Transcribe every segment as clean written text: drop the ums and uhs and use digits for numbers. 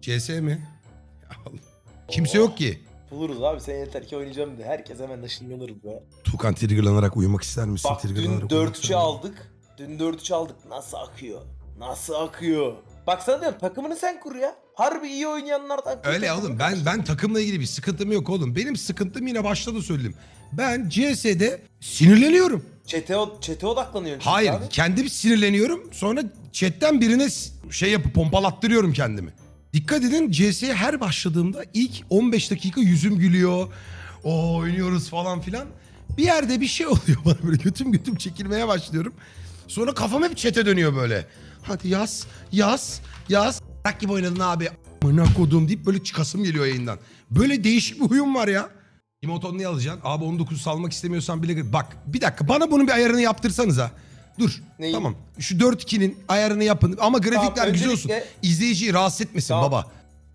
CS mi? Ya Allah. Kimse yok ki. Buluruz abi, sen yeter ki oynayacağım de. Herkes hemen ışınlanır be. Tukan triggerlanarak uyumak ister misin? Bak dün Triggerlanarak uyumak 4-3'ü ister misin? aldık. Dün 4-3 aldık. Nasıl akıyor? Nasıl akıyor? Bak sana diyorum, takımını sen kur ya. Harbi iyi oynayanlardan kur. Öyle takımını oğlum, karıştır. ben takımla ilgili bir sıkıntım yok oğlum. Benim sıkıntım, yine başta da söyledim. Ben CS'de sinirleniyorum. Çete odaklanıyorsun çünkü Hayır, abi. kendim sinirleniyorum. Sonra chatten birine şey yapıp pompalattırıyorum kendimi. Dikkat edin, CS'ye her başladığımda ilk 15 dakika yüzüm gülüyor. O oynuyoruz falan filan. Bir yerde bir şey oluyor bana, böyle götüm çekilmeye başlıyorum. Sonra kafam hep chat'e dönüyor böyle. Hadi yaz, yaz, yaz. Bak gibi oynadın abi. Amına kodum deyip böyle çıkasım geliyor yayından. Böyle değişik bir huyum var ya. Emoton ne alacaksın? Abi 19 salmak istemiyorsan bile... Bak bir dakika, bana bunun bir ayarını yaptırsanız ha. Dur. Neyin? Tamam. Şu 4-2'nin ayarını yapın. Ama grafikler Tamam, güzel olsun. öncelikle- İzleyiciyi rahatsız etmesin Tamam. baba.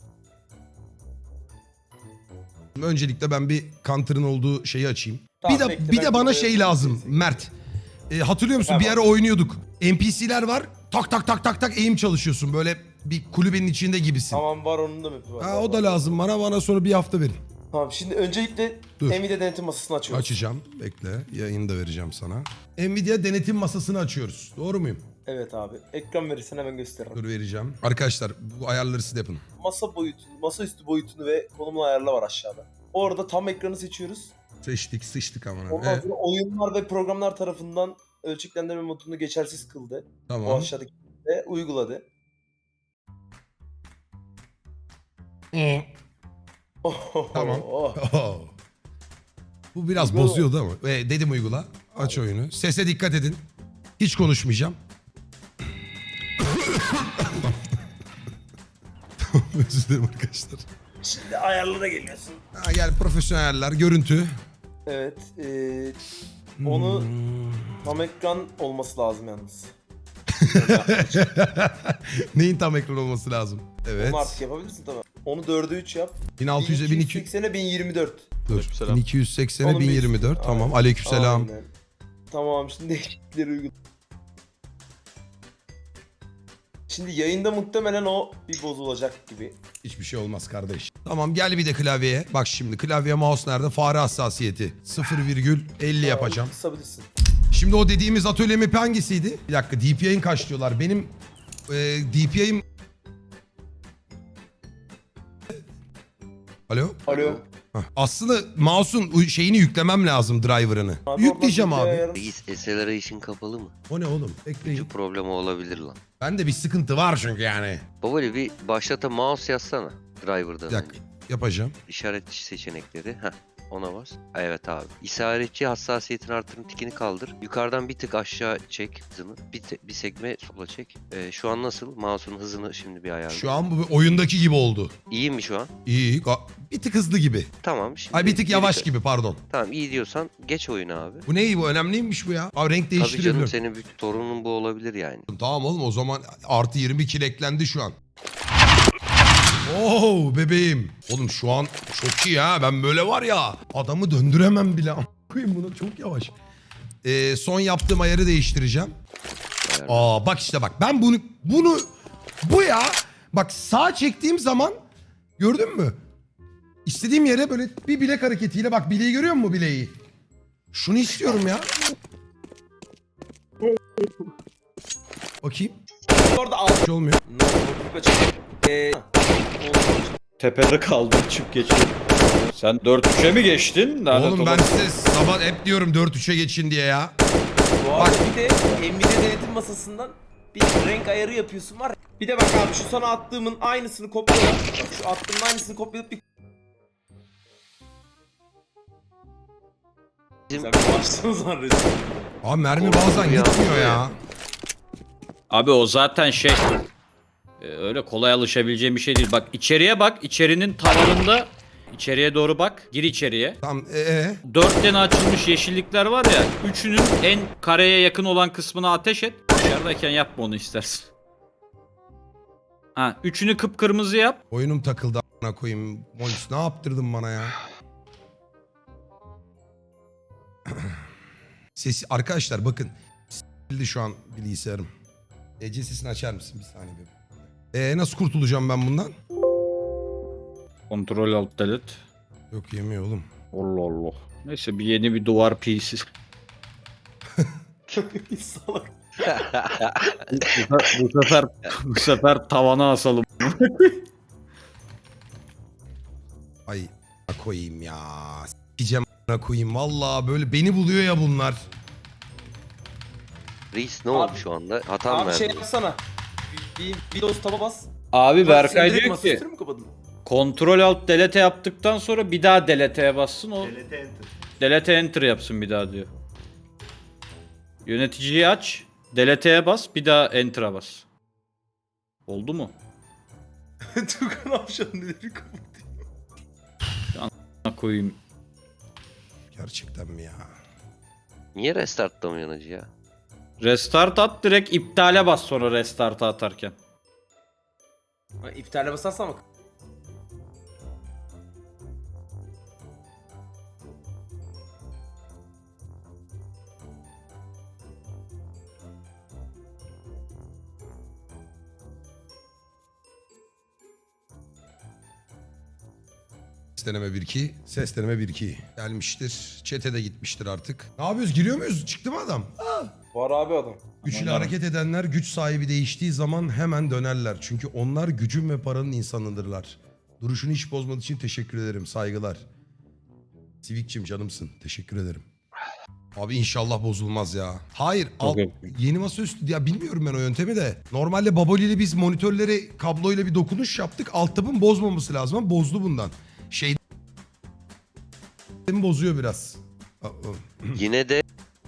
Öncelikle ben bir counter'ın olduğu şeyi açayım. Tamam, bir de bekle, bir ben de bana buraya şey lazım yazayım. Mert. Hatırlıyor musun? Tamam. Bir ara oynuyorduk. NPC'ler var. Tak tak tak tak tak aim çalışıyorsun. Böyle bir kulübenin içinde gibisin. Tamam, var onun da map'i var. Ha, Var, o da var. lazım bana. Bana sonra bir hafta verin. Tamam, şimdi öncelikle Dur. Nvidia denetim masasını açıyoruz. Açacağım. Bekle. Yayını da vereceğim sana. Nvidia denetim masasını açıyoruz. Doğru muyum? Evet abi. Ekran verirsen hemen gösteririm. Dur, vereceğim. Arkadaşlar bu ayarları siz de yapın. Masa boyutunu, masaüstü boyutunu ve konumunu ayarla var aşağıda. Orada tam ekranı seçiyoruz. Seçtik, sıçtık aman abi. Ondan sonra oyunlar ve programlar tarafından ölçeklendirme modunu geçersiz kıldı. O Tamam. aşağıdaki ve uyguladı. Tamam. Oh. Oh. Bu biraz Uygula. bozuyordu ama. Dedim uygula. Aç oyunu. Sese dikkat edin. Hiç konuşmayacağım. Özür dilerim arkadaşlar. Şimdi ayarlara geliyorsun. Ha, gel profesyonel ayarlar. Görüntü. Evet. Onu Hmm. tam ekran olması lazım yalnız. Neyin tam ekran olması lazım? Evet. Onu artık yapabilirsin tabii. Onu 4'e 3 yap. 1600'e 1200. 1280'e 1024. Dur. Aleykümselam. 1280'e Onun bir 1024. üstü. Tamam. Aynen. Aleykümselam. Aynen. Tamam, şimdi değişiklikleri uygula. Şimdi yayında muhtemelen o bir bozulacak gibi. Hiçbir şey olmaz kardeş. Tamam, gel bir de klavyeye. Bak şimdi klavye mouse nerede? Fare hassasiyeti. 0,50 yapacağım. Kısabilirsin. Şimdi o dediğimiz atölye map'i hangisiydi? Bir dakika, DPI'ın kaç diyorlar? Benim DPI'm... Alo? Alo. Hah. Aslında mouse'un şeyini yüklemem lazım, driver'ını. Abi Yükleyeceğim oradan abi. bir ayarı- Reis acceleration kapalı mı? O ne oğlum? Bekleyin. Şu problem olabilir lan. Bende bir sıkıntı var çünkü yani. Babali bir başlata mouse yazsana driver'dan Bir dakika, önce. yapacağım. İşaret seçenekleri. Heh. Ona bas. Evet abi. İşaretçi hassasiyetin artırın tikini kaldır. Yukarıdan bir tık aşağı çek hızını. Bir sekme sola çek. Şu an nasıl? Mouse'un hızını şimdi bir ayarla. Şu an bu bir oyundaki gibi oldu. İyi mi şu an? İyi. Bir tık hızlı gibi. Tamam. Şimdi Ay bir tık yavaş geri- gibi, pardon. Tamam, iyi diyorsan geç oyunu abi. Bu ne, bu önemliymiş bu ya. Abi renk Tabii canım, değiştirebiliyorum. senin bir sorunun bu olabilir yani. Tamam oğlum, o zaman artı 20 kil eklendi şu an. Oo bebeğim. Oğlum şu an çok iyi ha. Ben böyle var ya, adamı döndüremem bile. Koyayım bunu, çok yavaş. Son yaptığım ayarı değiştireceğim. Aa bak işte, bak ben bu ya. Bak sağ çektiğim zaman, gördün mü? İstediğim yere böyle bir bilek hareketiyle, bak bileği görüyor musun, bileği? Şunu istiyorum ya. Bakayım. Orada al. Hiç olmuyor. Tepede kaldım, çık geçtim. Sen 4-3'e mi geçtin? Lanet Oğlum ben olası. size sabah hep diyorum 4-3'e geçin diye ya. Bu arada bir de Nvidia denetim masasından bir renk ayarı yapıyorsun var. Bir de bak abi, şu sana attığımın aynısını kopyala. Bak, şu attığımın aynısını kopyalayıp bir... Bizim- Sen başladın zannediyorsun. Abi mermi bazen gitmiyor ya. Abi o zaten şey... öyle kolay alışabileceğim bir şey değil. Bak içeriye bak. İçerinin tavanında... İçeriye doğru bak. Gir içeriye. Tamam 4 tane açılmış yeşillikler var ya. Üçünün en kareye yakın olan kısmına ateş et. Dışarıdayken yapma onu istersen. Ha, üçünü kıpkırmızı yap. oyunum takıldı a**ına koyayım. Molis ne yaptırdın bana ya? Sesi arkadaşlar bakın. S**ildi şu an bilgisayarım. Ece sesini açar mısın bir saniye bebeğim? Nasıl kurtulacağım ben bundan? Kontrol alt delete. Yok yemiyor oğlum. Allah Allah. Neyse bir yeni bir duvar piyesi. Salak. bu sefer tavana asalım. Ay koyayım ya. S**eceğim koyayım. Vallahi böyle beni buluyor ya bunlar. Reis ne Abi- oldu şu anda? Hata mı Abi şey verdi? yapsana. Bir Windows taba bas. Abi Berkay Sen direkt diyor ki masaüstünü mü kapadın? kontrol alt delete yaptıktan sonra bir daha delete'ye bassın o. Delete enter. Delete enter yapsın bir daha diyor. Yöneticiyi aç. Delete'ye bas bir daha enter'a bas. Oldu mu? Tukan Avşan neleri kapatıyor? Ha koyayım. Gerçekten mi ya? Niye restartlamıyorsun acı ya? Restart at direkt iptale bas sonra restart'a atarken. İptale basarsan bak. Ses deneme 1-2. Ses deneme 1-2. Gelmiştir. Çete de gitmiştir artık. Ne yapıyoruz? Giriyor muyuz? Çıktı mı adam? Var abi adam. Güçlü hareket edenler güç sahibi değiştiği zaman hemen dönerler. Çünkü onlar gücün ve paranın insanıdırlar. Duruşunu hiç bozmadığı için teşekkür ederim. Saygılar. Sivikçim canımsın. Teşekkür ederim. Abi inşallah bozulmaz ya. Hayır. Yeni masaüstü ya bilmiyorum ben o yöntemi de. Normalde Baboli ile biz monitörlere kabloyla bir dokunuş yaptık. Alt tabın bozmaması lazım ama bozdu bundan. Şey bozuyor biraz. Yine de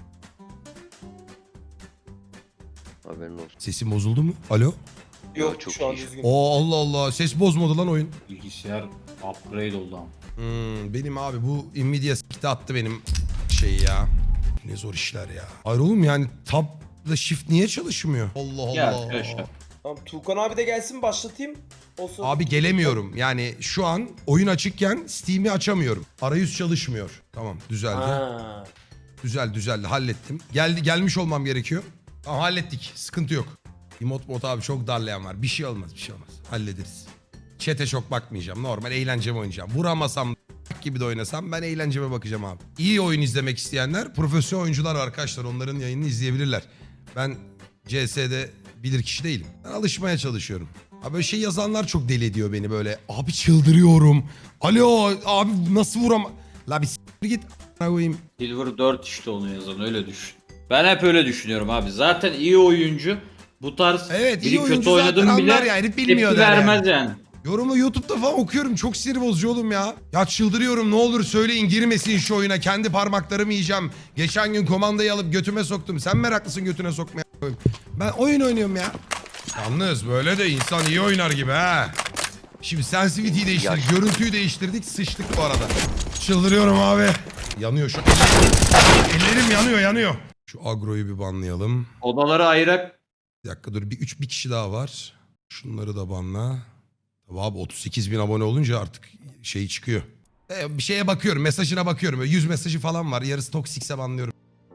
haberin olsun. Sesim bozuldu mu? Alo? Yok çok şu an iyi. düzgün. Allah Allah. Ses bozmadı lan oyun. Bilgisayar upgrade oldu ama. Benim abi bu Nvidia s**ti attı benim şeyi ya. Ne zor işler ya. Hayır oğlum yani tab'la shift niye çalışmıyor? Allah Ya Allah. arkadaşlar. Tamam Tukan abi de gelsin başlatayım. O sırada- Abi gelemiyorum. Yani şu an oyun açıkken Steam'i açamıyorum. Arayüz çalışmıyor. Tamam düzeldi. Ha. Düzeldi hallettim. Gelmiş olmam gerekiyor. Tamam hallettik. Sıkıntı yok. Mod abi çok darlayan var. Bir şey olmaz. Hallederiz. Chat'e çok bakmayacağım. Normal eğlenceme oynayacağım. Vuramasam gibi de oynasam ben eğlenceme bakacağım abi. İyi oyun izlemek isteyenler profesyonel oyuncular var arkadaşlar. Onların yayınını izleyebilirler. Ben CS'de bilir kişi değilim. Ben alışmaya çalışıyorum. Abi böyle şey yazanlar çok deli ediyor beni böyle. Abi çıldırıyorum. Alo abi nasıl vuram... La bir s**t git a**ına koyayım. Silver 4 işte onu yazan öyle düşün. Ben hep öyle düşünüyorum abi. Zaten iyi oyuncu bu tarz Evet, iyi biri oyuncu kötü oynadım zaten bile anlar yani, bilmiyor tepki der yani. vermez yani. Yorumu YouTube'da falan okuyorum. Çok sinir bozucu oğlum ya. Ya çıldırıyorum ne olur söyleyin girmesin şu oyuna. Kendi parmaklarımı yiyeceğim. Geçen gün komandayı alıp götüme soktum. Sen meraklısın götüne sokmaya. Ben oyun oynuyorum ya. Yalnız böyle de insan iyi oynar gibi ha. Şimdi sensitivity'yi değiştirdik. Görüntüyü değiştirdik. Sıçtık bu arada. Çıldırıyorum abi. Yanıyor şu. Ellerim yanıyor. Şu agroyu bir banlayalım. Odaları ayırak Bir dakika dur bir kişi daha var. Şunları da banla. Tabii abi 38 bin abone olunca artık şey çıkıyor. Bir şeye bakıyorum mesajına bakıyorum. Böyle 100 mesajı falan var. Yarısı toksikse banlıyorum.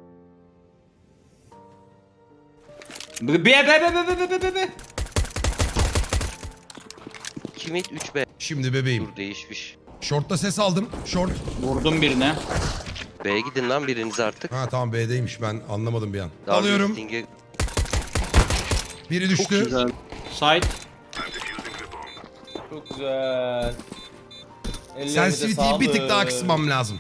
be. Kimit 3B. Şimdi bebeğim. Dur değişmiş. Short'ta ses aldım. Short. Vurdum birine. B'ye gidin lan biriniz artık. Ha tamam B'deymiş ben anlamadım bir an. Dark Alıyorum. Listing'e- Biri düştü. Güzel. Side. Çok güzel. Ellerine de Sensitivity'yi bir tık daha sağlık. kısmam lazım.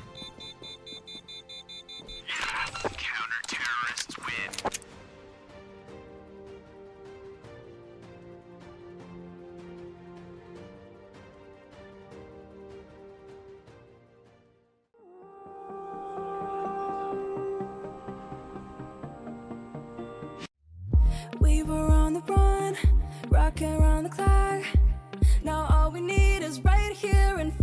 We were on the run, rocking around the clock. Now all we need is right here in